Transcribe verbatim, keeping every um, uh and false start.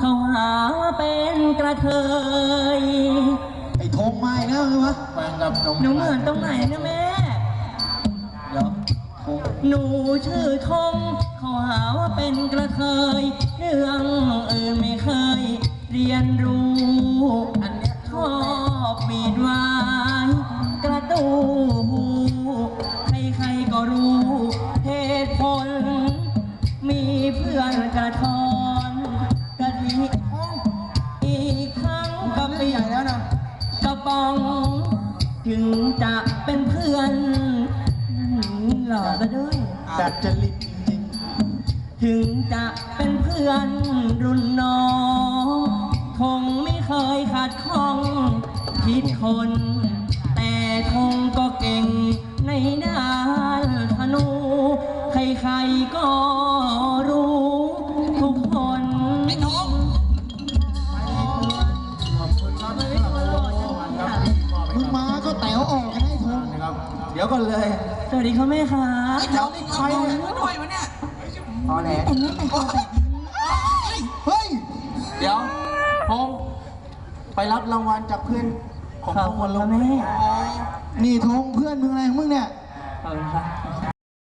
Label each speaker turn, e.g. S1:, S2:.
S1: เขาหาว่าเป็นกระเทย
S2: ไอ้ธงมาอีกแล้วไงวะแฟนกับนม
S1: หนูเหมือนตรงไหนนะแม่เดี๋ยวหนูชื่อธงเขาหาว่าเป็นกระเทยเรื่องอื่นไม่เคยเรียนรู้อันเนี้ยชอบปีดวายกระตูใครๆก็รู้เหตุผลมีเพื่อนกระทอนกะทิอีกครั้งก็เปลี่ยนแล้วนะกระป๋องถึงจะเป็นเพื่อนหล่อก็ด้วย
S2: ดัดจริตจริง
S1: ถึงจะเป็นเพื่อนรุ่นน้องคงไม่เคยขาดข้องคิดคน แต่คงก็เก่งในด้านธนู ใครๆก็รู้ทุกคนไม่ท้อง
S2: ๆขอบคุณครับมึงมาก็แต๋วออกกันให้ธงนะครับ เดี๋ยวก่อนเลย
S1: สวัสดีครับแม่ค่ะ
S2: แถวนี้ใครเนี่ย
S3: ด้วยวะเนี่ย
S2: ตอแหล
S1: แต่งหน้าแต่งตัวแบบ
S2: เฮ้ย เดี๋ยวธงไปรับรางวัลจากเพื่อนของ
S1: ขอบ
S2: ธง
S1: คุ
S2: วั
S1: ณ
S2: นล
S1: ค่ะ
S2: ง
S1: แม่
S2: นี่ธงเพื่อนมึงอะไรของมึงเนี่ย
S1: ขอบคุณค่ะ